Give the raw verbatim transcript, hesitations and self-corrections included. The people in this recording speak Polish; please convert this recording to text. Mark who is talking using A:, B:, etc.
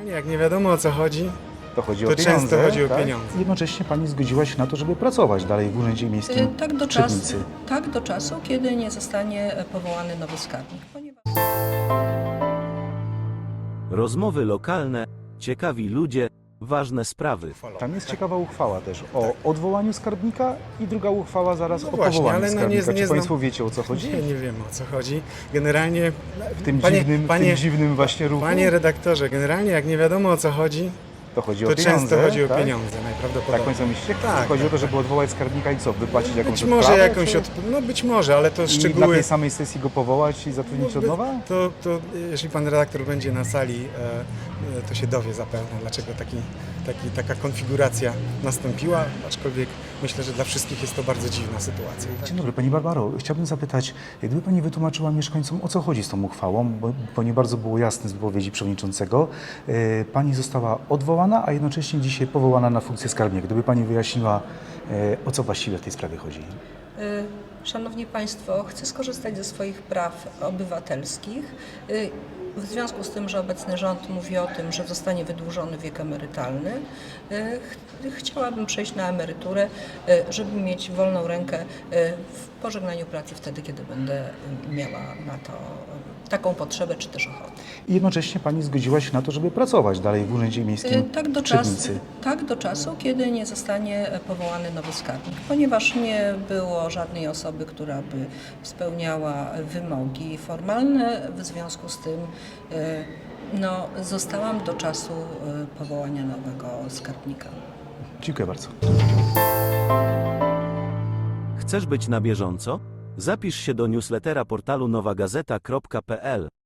A: Jak nie wiadomo o co chodzi,
B: To chodzi
A: to
B: o pieniądze,
A: często chodzi o
B: tak?
A: pieniądze.
B: Jednocześnie Pani zgodziła się na to, żeby pracować dalej w Urzędzie Miejskim
C: Y, Tak do,
B: w
C: czasu,
B: Trzebnicy.
C: tak do czasu, kiedy nie zostanie e, powołany nowy skarbnik. Ponieważ...
D: Rozmowy lokalne, ciekawi ludzie, ważne sprawy.
B: Tam jest ciekawa uchwała też o odwołaniu skarbnika i druga uchwała zaraz
A: No
B: o
A: właśnie,
B: powołaniu
A: ale no nie-
B: skarbnika.
A: nie
B: Czy
A: znam-
B: Państwo wiecie, o co chodzi?
A: Nie, nie wiem o co chodzi. Generalnie,
B: W tym,
A: panie,
B: dziwnym, w
A: panie,
B: tym dziwnym właśnie ruchu?
A: panie redaktorze, generalnie jak nie wiadomo o co chodzi,
B: To chodzi
A: to
B: o pieniądze,
A: często chodzi o
B: tak?
A: pieniądze
B: Tak
A: najprawdopodobniej.
B: Państwo myślicie?
A: Tak,
B: Chodzi
A: tak,
B: o to, żeby odwołać skarbnika i co? Wypłacić jakąś
A: Być może
B: odprawę,
A: jakąś
B: czy...
A: od... No być może, ale to
B: I na
A: szczegóły...
B: tej samej sesji go powołać i zatrudnić od nowa?
A: To, to jeśli pan redaktor będzie na sali, e, e, to się dowie zapewne, dlaczego taki, taki, taka konfiguracja nastąpiła, aczkolwiek myślę, że dla wszystkich jest to bardzo dziwna sytuacja.
B: Dzień dobry, Pani Barbaro. Chciałbym zapytać, gdyby Pani wytłumaczyła mieszkańcom, o co chodzi z tą uchwałą, bo, bo nie bardzo było jasne z wypowiedzi przewodniczącego. E, Pani została odwołana, a jednocześnie dzisiaj powołana na funkcję skarbnika. Gdyby Pani wyjaśniła, e, o co właściwie w tej sprawie chodzi.
C: Y, Szanowni Państwo, chcę skorzystać ze swoich praw obywatelskich. Y, W związku z tym, że obecny rząd mówi o tym, że zostanie wydłużony wiek emerytalny, y, ch chciałabym przejść na emeryturę, y, żeby mieć wolną rękę y, w pożegnaniu pracy wtedy, kiedy będę y, miała na to y, taką potrzebę czy też ochotę.
B: I jednocześnie Pani zgodziła się na to, żeby pracować dalej w Urzędzie Miejskim
C: Y, Tak do,
B: w
C: czasu,
B: Trzebnicy.
C: tak do czasu, kiedy nie zostanie powołany nowy skarbnik, ponieważ nie było żadnej osoby, która by spełniała wymogi formalne. W związku z tym y, no, zostałam do czasu y, powołania nowego skarbnika.
B: Dziękuję bardzo.
D: Chcesz być na bieżąco? Zapisz się do newslettera portalu nowa gazeta kropka p l.